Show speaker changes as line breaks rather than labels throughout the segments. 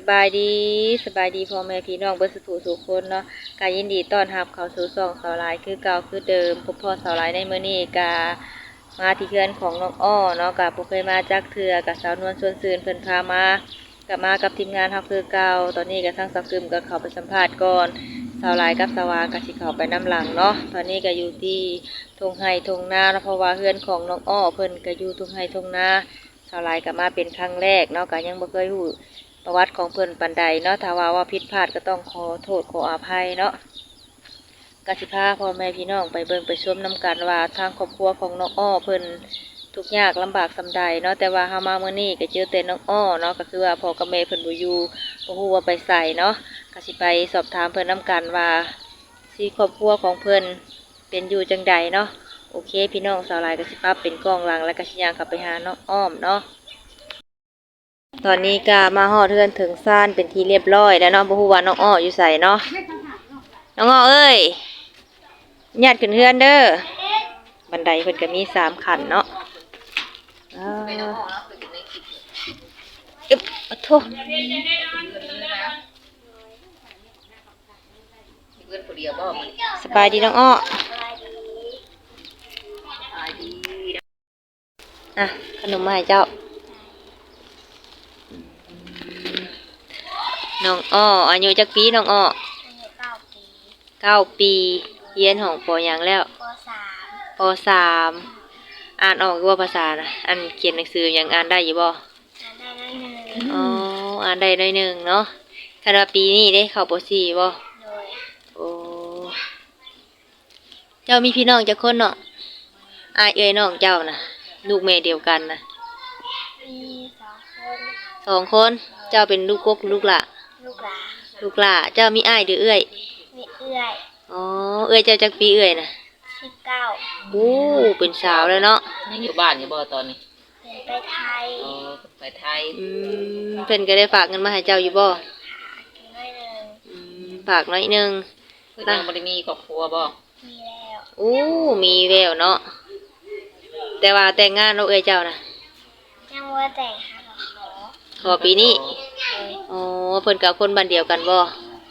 บายดีสบายดีพ่อแม่พี่น้องเบิดสุขสุขคนเนาะกายินดีต้อนรับเข้าสู่ช่องสาวหลายคือเก่าคือเดิมพบพ่อสาวหลายในมื้อนี้กามาที่เฮือนของน้องอ้อเนาะกาบ่เคยมาจักเทื่อกับสาวนวลชวนซืนเพิ่นพามากับมากับทีมงานเฮาคือเก่าตอนนี้ก็ทั้งสักกึมก็เข้าไปสัมภาษณ์ก่อนสาวหลายกับสาวาก็สิเข้าไปนํหลังเนาะตอนนี้ก็อยู่ที่ทุ่งไร่ทุ่งนาเนาะเพราะว่าเฮือนของน้องอ้อเพิ่นก็อยู่ทุ่งไร่ทุ่งนาสาวหลายก็มาเป็นครั้งแรกเนาะก็ยังบ่เคยรู้ ประวัติของเพิ่นปันใดเนาะถ้าว่าผิดพลาดก็ต้องขอโทษขออภัยเนาะกสิพาพ่อแม่พี่น้องไปเบิ่งไปชมนํกันว่าทางครอบครัวของน้องอ้อเพิ่นทุกข์ยากลำบากส่ำใดเนาะแต่ว่าเฮามามื้อนี้ก็เจอแต่น้องอ้อเนาะก็คือว่าพ่อกับแม่เพิ่นบ่อยู่บ่ฮู้ว่าไปไสเนาะก็สิไปสอบถามเพิ่นนํกันว่าสิครอบครัวของเพิ่นเป็นอยู่จังใดเนาะโอเคพี่น้องสาวหลายก็สิปรับเป็นกล้องหลังแล้วก็สิย่างเข้าไปหาน้องอ้อมเนาะ ตอนนี้ก็มาฮอดเทือนถึงซ่านเป็นที่เรียบร้อยแล้วเนาะบ่ฮู้ว่าน้องอ้ออยู่ไสเนาะน้องอ้อเอ้ยญาติขึ้นเฮือนเด้อบันไดเพิ่นก็มี3ขั้นเนาะอึ๊บอะโถสบายดีน้องอ้ออ่ะขนมมาให้เจ้าน้องอ้ออายุจักปีน้องอ้อ
อายุ9 ปี
9 ปีเรียนของปอหยังแล้วป.3อ่านออกว่าภาษานะอันเขียนหนังสือยังอ่านได้อยู่บ่
อ่านได้น้อยหนึ่ง
อ๋ออ่านได้หน่อยหนึงเนาะคาดว่าปีนี้ได้เข้าป.4บ่
โดย
โอ้เจ้ามีพี่น้องจักคนเนาะอ้ายเอ้ยน้องเจ้านะลูกแม่เดียวกันนะ
มี2 คน
2 คนเจ้าเป็นลูกกกหรือลูกหล่ะ
ลูกหลาน
ลูกหล่ะเจ้ามีอ้ายหรือเอ้ย
มีเอื้อย
อ๋อเอ้ยเจ้าจักปีเอ้ยน่ะ
19
โอ้เป็นสาวแล้วเนาะ
ยังอยู่บ้านอยู่บ่ตอนนี้
เป็นไปไทย
อ๋อไปไทย
เพิ่นก็ได้ฝากเงินมาให้เจ้าอยู่บ่
กินน้อยหนึ่ง
ฝากหน่อยหนึง
เพิ่นยังบ่ได้มีครอบครัวบ่
มีแล้ว
โอ้มีแววเนาะแต่ว่าแต่งงานเราเอ้ยเจ้านะ
ยังว่าแต่งหาขอ
ขอปีนี้
เลย
อ๋อเพิ่นกับคนบ้านเดียวกันบ่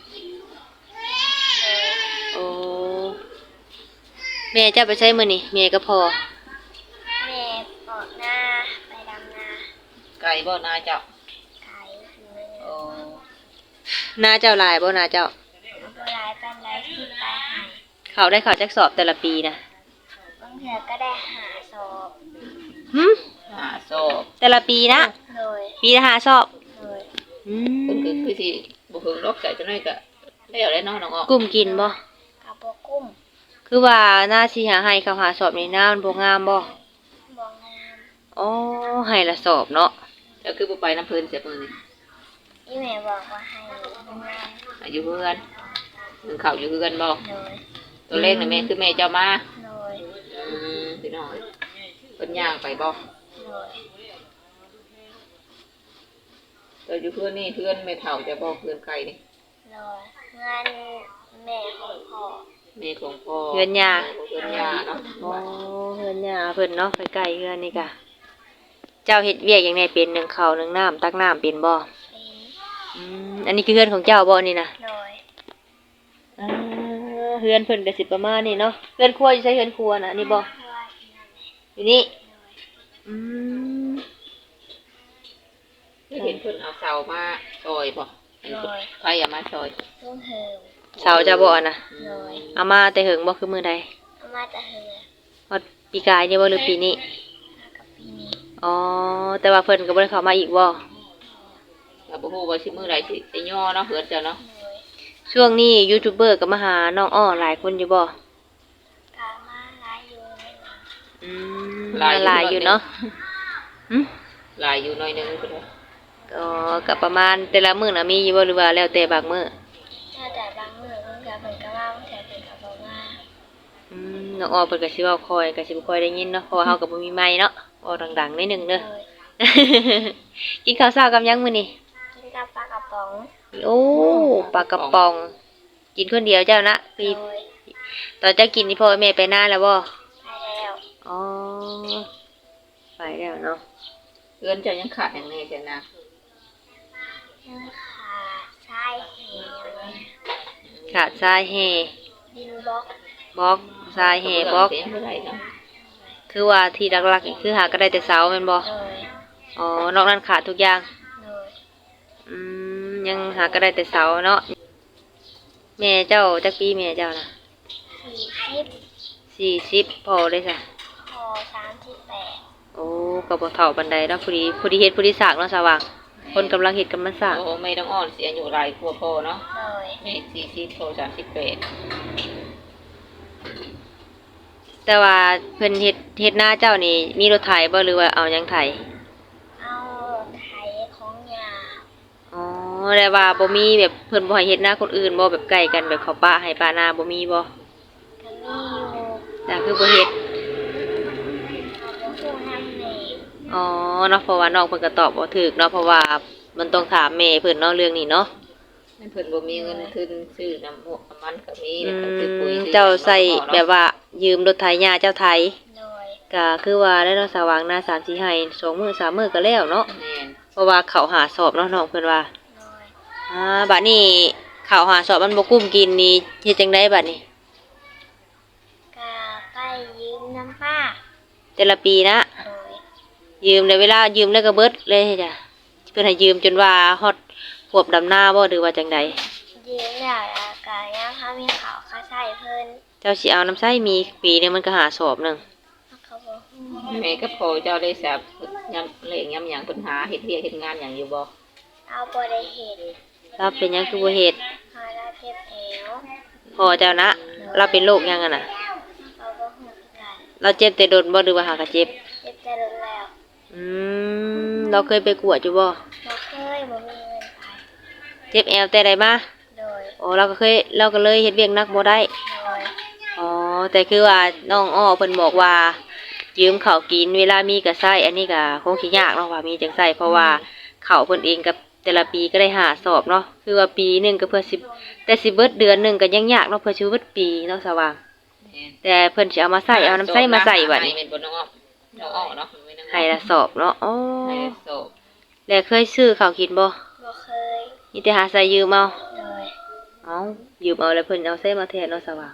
โอ้แม่เจ้าไปใช้มื้อนี่แม่ก็พอ
แม่ปอกหน้าไปดำนา
ไกลบ่นาเจ้า
ไก่อยู่ใน
โอ้
นาเจ้าหลายบ่นาเจ้า
ตัวร้ายปันไดที่ไปหาย
เขาได้เข้าจักสอบแต่ละปีนะ
บางเถื่อก็ได้หาศพ
หึ
หาโซ่
แต่ละปีนะ
โดย
ปีละ5สอบ
โดย
อื
เพิ่น
ม
คือสิบ่เพิ่งรอกใจจังได๋ก็แล้วได้เนาะน้องอ้อ
กุ้มกินบ่
กับโบกุ้ม
คือว่าหน้าสิหาให้เขาหาสอบนี่น้ามันบ่งามบ่
บองงาม
อ๋อให้ละสอบเนาะ
เจ้าคือบ่ไปน้ำเพิ่นเสียมื้อนี้
อีแม่บอกว่าให้งาม
อยู่เฮือนเพิ่นเข้าอยู่เฮือนบ่
โดย
ตัวเลขน่ะแม่คือแม่เจ้ามา
โดย
พี่น้องเพิ่นย่างไปบ่
โดย
ตัวอยู่เฮือนนี่เฮือนแม่เฒ่าจะบ่เฮือนไกลนี่
โดยงานแม่ของพ่อ
แม่ของพ่อ
เฮือนย่า
เฮือนย่าเนาะ
อ๋อเฮือนย่าเพิ่นเนาะใกล้ๆเฮือนนี่กะเจ้าเฮ็ดเวียกหยังไงเป็นนึ่งข้าวนึ่งน้ำตักน้ำเป็นบ่
เป็น
อันนี้คือเฮือนของเจ้าบ่นี่นะ
โดย
อ่าเฮือนเพิ่นก็สิประมาณนี้เนาะเฮือนครัวอยู่ใช้เฮือนครัวน่ะนี่บ่อยู่นี่อืม
เห็นเพิ่นเอาเสามาซอยบ่ใครเอามาซอย
ลุงเหิม
เสาจะบ่น่ะ
โดย
เอามาแต่หึงบ่คือมื้อใด
เอามาแต่เหิม
ฮอดปีกายนี่บ่หรือปีนี้
กับปีนี้
อ๋อแต่ว่าเพิ่นก็บ่ได้เข้ามาอีกบ่
ก็บ่ฮู้ว่าสิมื้อใดสิย่อเนาะเฮือนเจ้าเนาะ
โดย
ช่วงนี้ยูทูบเบอร์ก็มาหาน้องอ้อหลายคนอยู่บ่
กามาหลายอยู่ในนั้น
อืมหลายอยู่เนาะ
หลายอยู่หน่อยนึงเพิ่น
อ๋อก็ประมาณแต่ละมื้อน่ะมีอยู่บ่หรือว่าแล้วแต่บางมื้อ
แล้วแต่บางมื้อเพิ่นก็เพิ่นก็มาบางเทื่อเพิ่นก็บ่มา
น้องอ้อเพิ่นก็สิเว้าค่อยก็สิบ่ค่อยได้ยินเนาะเพราะว่าเฮาก็บ่มีไมค์เนาะอ้อดังๆนิดนึงเด้อ กินข้าวเช้ากับหยังมื้อนี้
กินกับปลากระป๋อง
โอ้ปลากระป๋องกินคนเดียวเจ้านะคือตอนเจ้ากินนี่พ่อแม่ไปนานแล้วบ่
ไปแล้ว
อ๋อไปแล้วเนาะ
เฮือนเจ้ายังขาดหยังแน่จ้ะนะ
ยังขาทรายแห่อย่างเงี้ย
ขาดทรายแห่
ดินบล็อก
บล็อกทรายแห่บล็อก
เสียงบ่ได้ครับ
คือว่าที่หลักๆนี่คือหาก็ได้แต่เสาแม่นบ่
เลย
อ๋อนอกนั้นขาดทุกอย่าง
เลย
ยังหาก็ได้แต่เสาเนาะแม่เจ้าจักปีแม่เจ้านะ 40พอได้ซะ
พอ38
โอ้ก็บ่เฒ่าปานใดเนาะผู้ดีเฮ็ดผู้ดีสร้างเนาะสว่างคนกำลังเฮ็ดกำลังสร้าง
โอ้ไม่ต้องอ่อนเสียอายุหลายกว่าพ่อเนาะ
เลย
แม่40โทร38
แต่ว่าเพิ่นเฮ็ดหน้าเจ้านี่มีรถไถบ่หรือว่าเอาหยังไถ
เอาไถของยา
อ๋อแต่ว่าบ่มีแบบเพิ่นบ่ให้เฮ็ดหน้าคนอื่นบ่แบบใกล้กันแบบเขาป้าให้ป้านาบ่มีบ่
ก็มีอยู่
แต่คือบ่เฮ็ด
เอาไปคู่น้ำเนย
อ๋อเนาะเพราะว่าน้องเพิ่นก็ตอบบ่ถูกเนาะเพราะว่ามันต้องถามแม่เพิ่นเนาะเรื่องนี้เนาะ
นั่นเพิ่นบ่มีเงินทุนซื้อน้ำมูกน้ำมันก็มี
อื
แล้วก็ซื้อปุ๋ย
ม
ซื้อ
เจ้าใส่
น้ำ
แบบว่ายืมรถไถย่าเจ้าไถ
เลย
ก็คือว่าได้เนาะสว่างหน้า3-4ให้2 มื้อ3 มื้อก็แล้วเนาะ
แม่น
เพราะว่าเขาหาสอบเนาะน้องเพิ่นว่า
เลย
บัดนี้เขาหาสอบมันบ่กุ้มกินนี่เฮ็ดจังไดบัดนี้
ก็ไปยืมน้ำป้า
แต่ละปีนะ
เลย
ยืมในเวลายืมแล้วก็เบิดเลยจ้ะเพิ่นให้ยืมจนว่าฮอดขวบดำหน้าบ่หรือว่าจังใด
ยืมแล้วก็ยังเขามีเขาเขาใส่เพิ่น
เจ้าสิเอาน้ำใช้มีปีหนึงมันก็หาสอบหนึง
เขาบอกฮู้
แม่กับพ่อเจ้าได้ทราบยำเลขยำหยังปัญหาเฮ็ดเวียกเฮ็ดงานหยังอยู่บ่
เอาบ่ได้เห็น
เราเป็นหยังคือบ่เฮ็ด
พาเราเจ็บแอว
พ่อเจ้านะเราเป็นโรคหยังอะน่ะ
เขาบ่ฮู้คือกัน
เราเจ็บแต่โดนบ่หรือว่าหากะเจ็บ
เจ็บแต่รุนแล้ว
เราเคยไปกวดอยู่บ่
บ่เคยบ่มีเงินไป
เจ็บแอวแต่ใดมา
โดย
โอ้เราก็เลยเฮ็ดเวียกหนักบ่ได้
โดย
อ๋อแต่คือว่าน้องอ้อเพิ่นบอกว่ายืมข้าวกินเวลามีก็ใช้อันนี้ก็คงสิยากเนาะว่ามีจังใช้เพราะว่าข้าวเพิ่นเองกับแต่ละปีก็ได้หาสอบเนาะคือว่าปีหนึงก็เพื่อสิแต่สิเบิดเดือนหนึงก็ยังยากเนาะเพื่อสิเบิดปีเนาะสว่าง
แม่น
แต่เพิ่นสิเอามาใส่เอาน้ำใส่มาใส่บัด
ให้
นี้
เป็นบ่น้องอ้อน้องอ้อเนาะไม่น้องอ้อ
ให้ละสอบเนาะอ๋อ
ให้สอบ
แล้วเคยซื้อข้าวกินบ่
บ่เคย
มีแต่หาใส่ยืมเอา
โดย
เอายืมเอาแล้วเพิ่นเอาใส่มาแทนเนาะสว่าง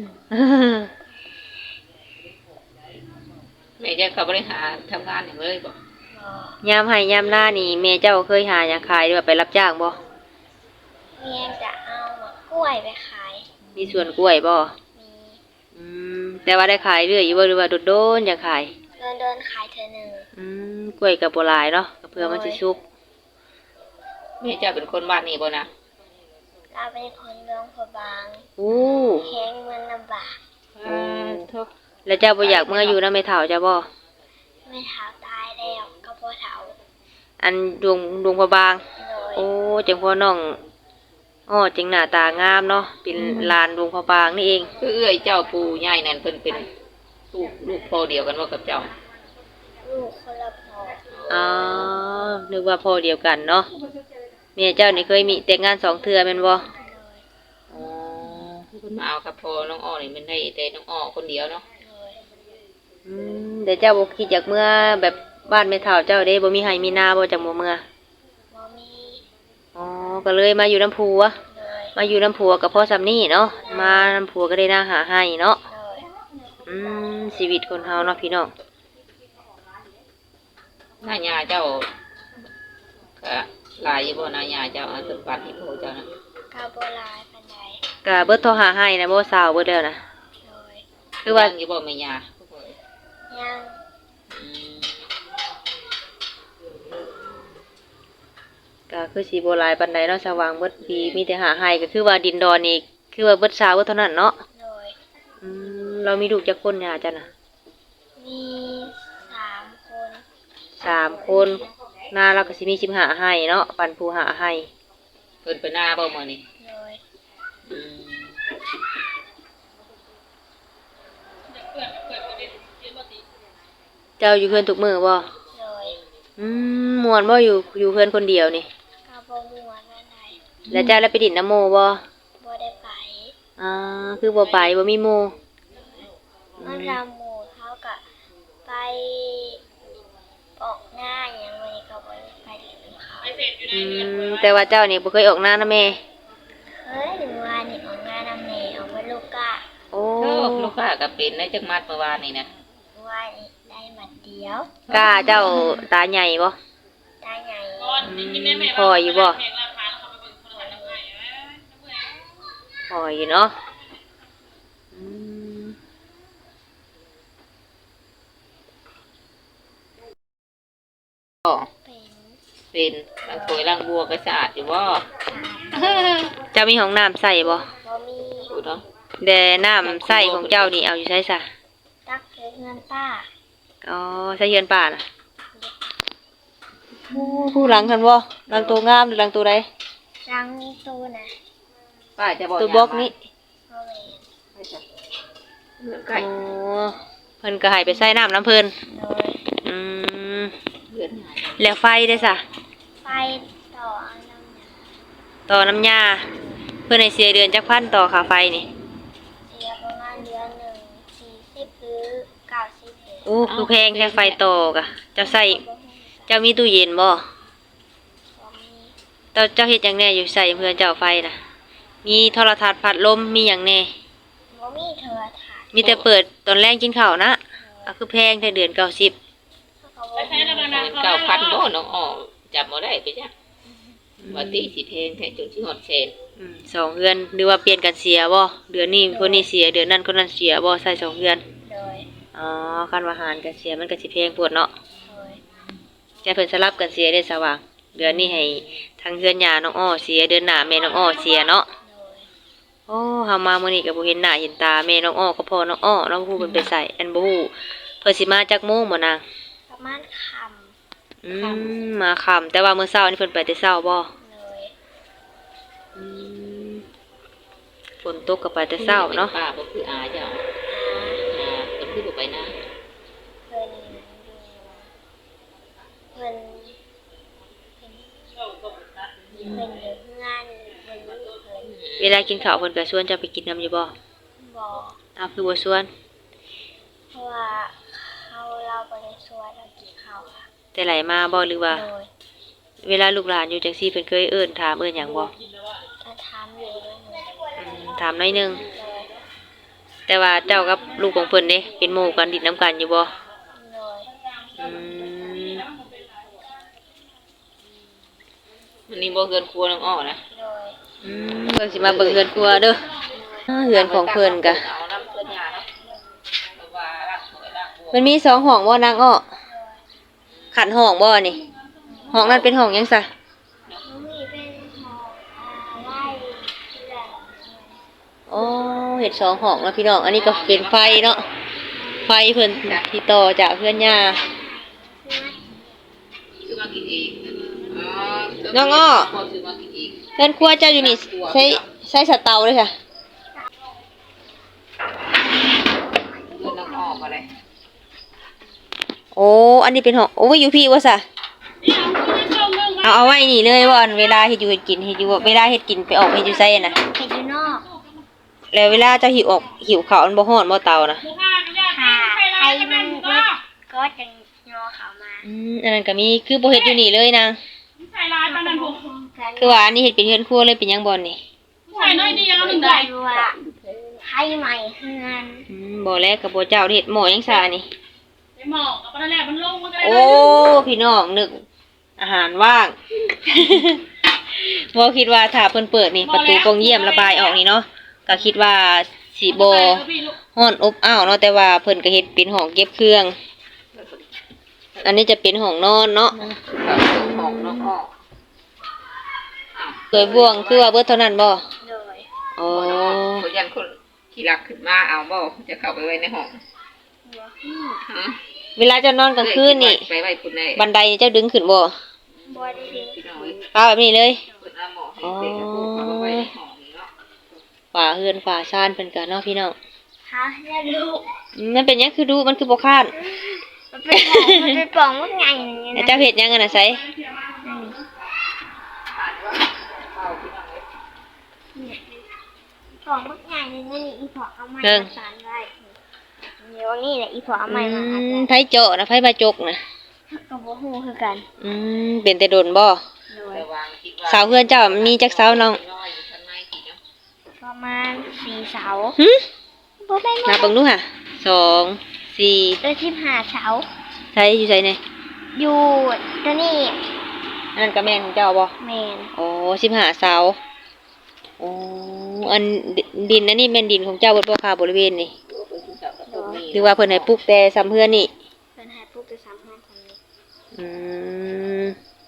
แม่จะเขาบริหารทำงานอย่างเลยบ่
บ่
ยามให้ยามหน้านี่แม่เจ้าเคยหาหยังขายหรือว่าไปรับจ้างบ่
เมียจะเอามะกล้วยไปขาย
มีสวนกล้วยบ่
มี
แต่ว่าได้ขายเรื่อยอยู่บ่หรือว่าโดนๆอยากขาย
เดินขายเธอหนึ่ง
กล้วยกับบ่หลายเนาะก็เพื่อมันสิสุก
แม่จะเป็นคนบ้านนี้บ่นะ
เราเป็นคนเมืองพะบาง
อู้
แข้งมันลำบาก
ทุก
แล้วเจ้าบ่อยากเมื่ออยู่นำแม่เฒ่าเจ้าบ่
ไม่เท้าตายแล้วก็บ่เท้า
อันดวงพระบาง
โดย
โอ้จังพ่อน้องอ้อจังหน้าตางามเนาะเป็นหลานดวงพระบางนี่เอง
คือเอื้อยเจ้าปู่ใหญ่นั่นเพิ่นเป็นลูกพ่อเดียวกันว่ากับเจ้า
ลูกคนละพ่อ
อ๋อนึกว่าพ่อเดียวกันเนาะแม่เจ้านี่เคยมีแต่งงาน2 เทื่อแม่นบ่
โดย
อ๋อ
เพิ่นมาเอากับพ่อน้องอ้อนี่มันได้แต่น้องอ้อคนเดียวเนาะ
โดย
แต่เจ้าบ่คิดอยากเมื่อแบบบ้านแม่เฒ่าเจ้าเด้บ่มีไร่มีนาบ่จังบ่เมื่อ
บ่มี
อ๋อก็เลยมาอยู่น้ำผัว
โดย
มาอยู่น้ำผัวกับพ่อซำนี่เนาะมาน้ำผัวก็ได้นาหาให้เนาะ
โดย
ชีวิตคนเฮาเนาะพี่น้อง
หน้าญาเจ้าก็หลายอยู่บ่หน้าญาเจ้าอันเป็นปัดให้พ่อเจ้านะ
กาโบลายปันได
ก็เบิดโทรหาให้นะบ่สาวเบิดแล้วนะ
โดย
คือว่า
ยังอยู่บ่แม่ญา
ยัง
อืม
ก็คือสิบ่หลายปานใดเนาะสว่างเบิดปีมีแต่หาให้ก็คือว่าดินดอนนี่คือว่าเบิดสาวเบิดเท่านั้นเนาะ
โดย
เรามีลูกจักคนหย่าจ้ะน่ะ
มี3 คน
3 คนนาเราก็สิมี15ให้เนาะปันผู้หาให้
เพิ่นไปหน้าบ่มื้อนี้
โดย
อืม
เจ้าอยู่เพื่อนทุกมื้อบ่
โดย
ม่วนบ่อยู่เพื่อนคนเดียวนี่
กาบ่ม่วนปันได
แล้วเจ้าแล้วไปดินน้ำโมบ่
บ่ได้ไป
คือบ่ไปบ่มีหมู่
มันรำหมูเขาก็ไปออกหน้าอย่างวันนี้ก็บ่ได้ไปเรียนเขา
แต่ว่าเจ้านี่บ่เคยออกหน้านะแม่
เฮ้ยหรือว่านี่ออกงานนำแม่ออกมาลูกกะ
โอ้
โอ้ลูกค้าก็เป็นได้จักมัดเมื่อวานนี่นะ
ว่านี่ได้หมัดเดียว
กล้าเจ้าตาใหญ่บ่
ตาใหญ่
พออยู่บ่พออยู่เนาะอืม
ก็
เป็น
เป็นล้างถ้วยล้างบัวก็สะอาดอยู่บ่
เจ้ามีห้องน้ำใส่บ่
บ่มี
ดูเนาะ
แต่น้ำใส่ของเจ้านี่เอาอยู่ใช้ซะ
ตักเงินป้า
อ๋อใส่เฮือนป่าน่ะผู้หลังคันบ่หลังตัวงามหรือหลังตัวใด
รังตูนะ
ป้าจะบอก
ตัวบล็อกนี้
บ่แม่น
ใกล้
โอ้เพิ่นก็ให้ไปใส่น้ำน้ำเพิ่น
โดย
อืม
เดือนหา
แล้วไฟได้ซะ
ไฟต่อเอาน้ำเนี่ย
ต่อน้ำยาเพิ่นให้เสียเดือนจักพันต่อค่าไฟนี่
เสียประมาณเดือนหนึ่ง40หรือ90เอง
โอ้คือแพงแค่ไฟต่อกะเจ้าใส่
บ่ฮู้
เจ้ามีตู้เย็นบ่
บ่มี
เจ้าเฮ็ดหยังแหน่อยู่ใส่เพื่อนเจ้าไฟน่ะ มีโทรทัศน์พัดลมมีหยังแหน่
บ่มีโทรทัศน์
มีแต่เปิดตอนแรกกินข้าวนะก็คือแพงแต่เดือน90
เขาก็บ่มี
9,000บ่น้องอ้อจับบ่ได้ไปจ้ะว่าตีสิแพงแท้จนสิฮอดแสน
สองเดือนหรือว่าเปลี่ยนกันเสียบ่เดือนนี้คนนี้เสียเดือนนั้นคนนั้นเสียบ่ใส่สองเดือน
โดย
อ๋อคันว่าหารกันเสียมันก็สิแพงโพดเนาะ
โดย
แต่เพิ่นสลับกันเสียได้สว่าง เดือนนี้ให้ทางเฮือนย่าน้องอ้อเสียเดือนหน้าแม่น้องอ้อเสียเนาะ
โดย
โอ้เฮามามื้อนี้ก็บ่เห็นหน้าเห็นตาแม่น้องอ้อก็พ่อน้องอ้อน้องผู้เพิ่นไปใส่อันบ่ฮู้เพิ่นสิมาจักโมงบ่นาง
ประมาณค
มาค่ำแต่ว่ามื้อเช้านี่เพิ่นไปแต่เช้าบ่
ำเลย
อืมฝนตกก็ไปแต่เช้าเนาะ
ป้าบ่คืออาเจ้าก็คือบ่ไปนะ
เพิ่นอยู่เพิ่นอยู่งานเพิ่นอยู่เพิ่น
เวลากินข้าวเพิ่นก็ชวนเจ้าไปกินน้ำอยู่บ่
บ่
อ้าวคือบ่ชวน
เพราะว่าเราบ่ได้ชวนเรากินข้าวค่ะ
แต่ไหลมาบ่หรือว่า
โดย
เวลาลูกหลานอยู่จังซี่เพิ่นเคยเอิ้นถามเอิ้นหยังบ่
ถ้าถามอยู่ด้วยหนู
ถามหน่อยหนึง
โดย
แต่ว่าเจ้ากับลูกของเพิ่นเด้เป็นหมู่กันดินน้ำกันอยู่บ่
โดย
อืม
มันนี่บ่เกินครัวน้องอ้อนะ
โดย
เพิ่นสิมาเบิ่งเฮือนครัวเด้อเฮือนของเพิ่นก็
เอาน้ำเพิ่นยาเนาะเพราะว่าล้างถ้วยล้างบัว
มันมีสองห้องบ่นางอ้อขันห้องบ่นี่ห้องนั้นเป็นห้องหยังซะ
น้องมีเป็นของไล่เพื่อน
อ๋อเฮ็ดสองห้องแล้วพี่น้อง อันนี้ก็เป็นไฟเนาะ ไฟเพิ่นที่ต่อจากเพื่อนย่า
ซื้อมากินเองอ๋อ
น้องอ้อ
ซื้อมากินเอง
เพื่อนครัวเจ้าอยู่นี่ใช้สเตาเลยค่ะ
เงินน้องอ้อก็เลย
โอ้ อันนี้เป็นห้องโอ้ยอยู่พี่ว่าซะเอาไว้นี่เลยว่าอันเวลาเฮ็ดอยู่เฮ็ดกินเฮ็ดอยู่ว่าเวลาเฮ็ดกินไปออกเฮ็ดอยู่ไสน่ะ
เห็ดอยู่นอก
แล้วเวลาเจ้าหิวข้าวมันบ่ฮ้อนบ่เตาน่ะ
ค่ะใครมันก็จะงอเขามา
อันนั้นก็มีคือบ่เฮ็ดอยู่นี่เลยนาง
ใส่ลายตอนนั้นผม
คือว่าอันนี้เฮ็ดเป็นเฮือนครัวเลยเป็นหยังบ่นี่
ใส่น้อยเดียวหนึ่ง
ได้
ได้
ว่าให้ใหม่เฮือน
บ่แล้วก็บ่เจ้าเฮ็ดหม้อหยังซะนี่
ไปหมอกกับตอนแรกมันลงมันก็ได้
โอ้ พี่น้องนึกอาหารว่าง บ่คิดว่าถ้าเพิ่นเปิดนี่ประตูกรงเยี่ยมระบายออกนี่เนาะก็คิดว่าสิบ่ฮ้อนอบอ้าวเนาะแต่ว่าเพิ่นก็เฮ็ดเป็นห้องเก็บเครื่อง อันนี้จะเป็นห้องนอนเนาะ
ของน้องอ้อ
สวยบ่วงคือว่าเบิดเท่านั้นบ่
โดย
อ๋อ
คนยันคนขี่รักขึ้นมาเอาบ่จะเข้าไปไว้ในห้องฮะ
เวลาเจะนอนกลางคืนนี่
ไปไว้คุณได้
บันไดนี่เจ้าดึงขึ้นบ่
บอได้ดึง
พี่น้องเอ้ย
ป้าแบบนี้เลย
เปิดเอาหมอให้เด็กกับพวกเขาไปไว้ในห้องนี่เนาะ
ฝาเฮือนฝาชานเพิ่นก็เนาะพี่น้อง
ฮะเนี่ยลูก
มันเป็นหยังคือดูมันคือบ่ค้าน
มันเป็นปล่องมันไงอย่าง
แล้ว
นี้
เจ้าเฮ็ดหยังกันน่ะไส
ปล่องมันไงนี่นี่อีพอเอาไม้มาสานไว้เดี๋ยวนี่แหละอีพอเอาไม้มาอัดไว้
ไผเจาะนะไผบาจกนะ
กับบ่ฮู้คือกัน
เป็นแต่ดนบ่
โด
แต่วางคิดว่า
เสาเฮือนเจ้ามีจักเสาน้อง
น้อยอยู่ข้างในสิเนาะ
ประมาณ4 เสา
หึ
บ่แม่น
นับเบิ่งดูค่ะ2 4
ได้15 เสา
ใช้อยู่ไสเนี่ย
อยู่ตัวนี้
อันนั้นก็แม่นของเจ้าบ่
แม่น
โอ้15เสาโอ้อันดินอันนี้แม่นดินของเจ้าเบิดบ่ค่ะบริเวณนี่
ตัวเพิ่นสิเจ้าก็ต้องมี
หรือว่าเพิ่นให้ปลูกแต่ซ้ำเฮือนนี่
เพิ่นให้ปลูกแต่3ห้องคนนี้
อืม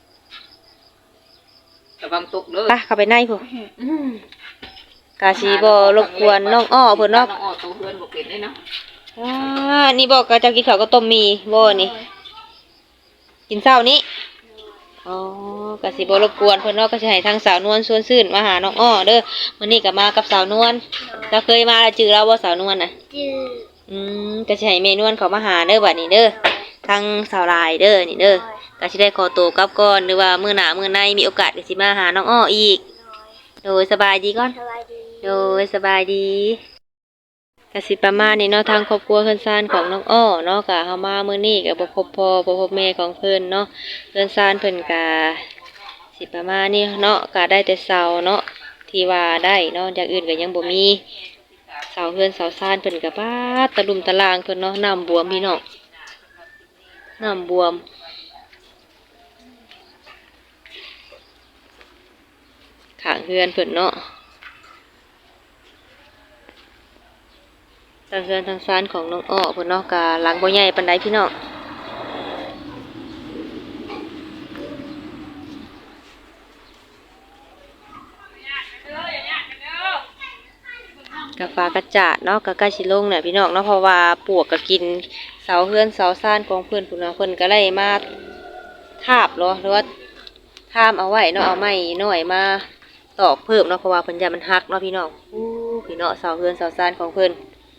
ระวังตกเด้อ
ไปเข้าไปในพุ่นกาสิบ่รบกวนน้องอ้อเพิ่นเนาะ
น้องอ้อตัวเพื่อนบ่เป็นเลยเนาะ
นี่บอกก็เจ้ากินข้าวก็ต้มมีบ่นี่ กินเช้านี้อ๋อกะสิบ่รบกวนเพิ่นเนาะก็สิให้ทางสาวนวลชวนซื่นมาหาน้องอ้อเด้อมื้อนี้ก็มากับสาวนวลเราเคยมาแล้วจื้อเราบ่สาวนวลน่ะ
จื้อ
ก็สิให้แม่นวลเขามาหาเด้อบัดนี้เด้อทางสาวลายเด้อนี่เด้อก็สิได้ขอตัวกลับก่อนหรือว่ามื้อหน้ามื้อในมีโอกาสก็สิมาหาน้องอ้ออีก โดยสบายดีก่อน
สบายดี
โดยสบายดีกสิประมาณนี้เนาะทางครอบครัวเพิ่นซ่านของน้องอ้อเนาะก็เฮามามื้อนี้ก็บ่พบพ่อบ่พบแม่ของเพิ่นเนาะเพิ่นซ่านเพิ่นก็สิประมาณนี้เนาะก็ได้แต่เสาเนาะที่ว่าได้เนาะอย่างอื่นก็ยังบ่มีเสาเฮือนเสาซ่านเพิ่นก็ปาดตะลุมตะลางเพิ่นเนาะน้ำบวมพี่น้องน้ำบวมข้างเฮือนเพิ่นเนาะ ทางเฮือนทางซ้านของน้องอ้อเพิ่นเนาะกะหลังบ่ใหญ่ปานใดพี่น้องกะฟ้ากระจาดเนาะกะใกล้สิลงเนี่ยพี่น้องเนาะเพราะว่าปลวกก็กินเสาเฮือนเสาซ่านของเพิ่นพุ่นเนาะเพิ่นก็เลยมาทาบเนาะหรือว่าทามเอาไว้เนาะเอาไม้น้อยมาตอกเพิ่มเนาะเพราะว่าเพิ่นอย่ามันหักเนาะพี่น้องพี่น้องเสาเฮือนเสาซ่านของเพิ่น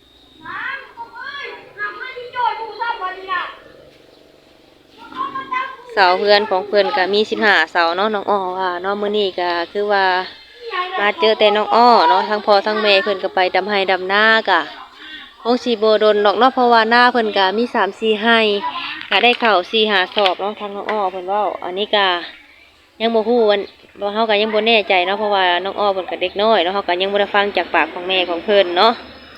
เสาเพื่อนของเพื่อนก็มี15 เสาเนาะน้องอ้อว่าเนาะมื้อนี้ก็คือว่ามาเจอแต่น้องอ้อเนาะทั้งพ่อทั้งแม่เพิ่นก็ไปดำไห้ดำนาก็คงสิบ่ดนดอกเนาะเพราะว่าหน้าเพิ่นก็มี3-4ไร่ก็ได้ข้าว4-5 สอบเนาะทางน้องอ้อเพิ่นเว้าอันนี้ก็ยังบ่ฮู้ว่าเฮาก็ยังบ่แน่ใจเนาะเพราะว่าน้องอ้อเพิ่นก็เด็กน้อยเนาะเฮาก็ยังบ่ได้ฟังจากปากของแม่ของเพิ่นเนาะ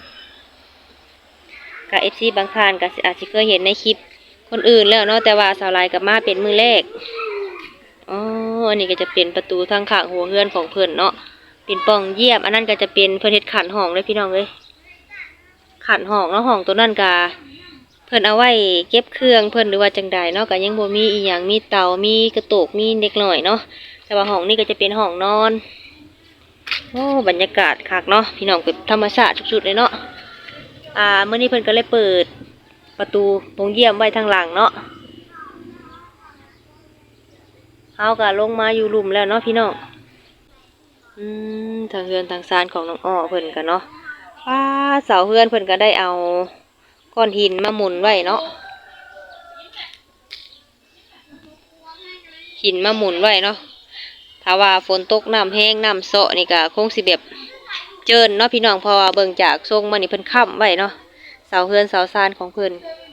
ก็ FC บางท่านก็อาจสิเคยเห็นในคลิปคนอื่นแล้วเนาะแต่ว่าสาวลายกับมาเป็นมือแรกอ๋ออันนี้ก็จะเป็นประตูทางข้างหัวเฮือนของเพิ่นเนาะเป็นปล่องเยี่ยมอันนั้นก็จะเป็นเพิ่นเฮ็ดขันห้องเลยพี่น้องเอ้ยขันห้องเนาะห้องตัวนั้นก็เพิ่นเอาไว้เก็บเครื่องเพิ่นหรือว่าจังใดเนาะก็ยังบ่มีอีหยังมีเตามีกระโตกมีเด็กน้อยเนาะแต่ว่าห้องนี้ก็จะเป็นห้องนอนโอ้บรรยากาศคักเนาะพี่น้องเป็นธรรมชาติสุดๆเลยเนาะมื้อนี้เพิ่นก็เลยเปิดประตูโรงเยี่ยมไว้ทางหลังเนาะเฮาก็ลงมาอยู่หลุมแล้วเนาะพี่น้องทางเฮือนทางซานของน้องอ้อเพิ่นกันเนาะเสาเฮือนเพิ่นก็ได้เอาก้อนหินมาหมุนไว้เนาะหินมาหมุนไว้เนาะถ้าว่าฝนตกน้ำแห้งน้ำเซาะนี่ก็คงสิแบบเจินเนาะพี่น้องเพราะว่าเบิ่งจากทรงมันนี่เพิ่นค้ำไว้เนาะเสาเฮือนเสาซานของเพิ่น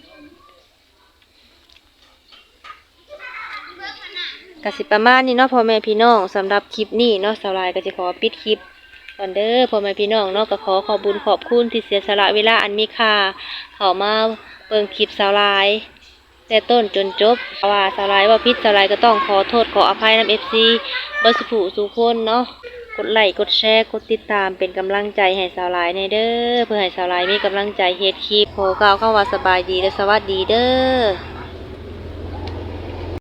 กสิประมาณนี้เนาะพ่อแม่พี่น้องสำหรับคลิปนี้เนาะสาวลายก็จะขอปิดคลิปก่อนเด้อพ่อแม่พี่น้องเนาะก็ขอบุญขอบคุณที่เสียสละเวลาอันมีค่าเข้ามาเบิ่งคลิปสาวลายแต่ต้นจนจบว่าสาวลายว่าผิดสาวลายก็ต้องขอโทษขออภัยนำ FC เบิดสุขสุขคนเนาะกดไลค์กดแชร์กดติดตามเป็นกำลังใจให้สาวลายในเด้อเพื่อให้สาวลายมีกำลังใจเฮ็ดคลิปขอกล่าวคำว่าสบายดีและสวัสดีเด้อ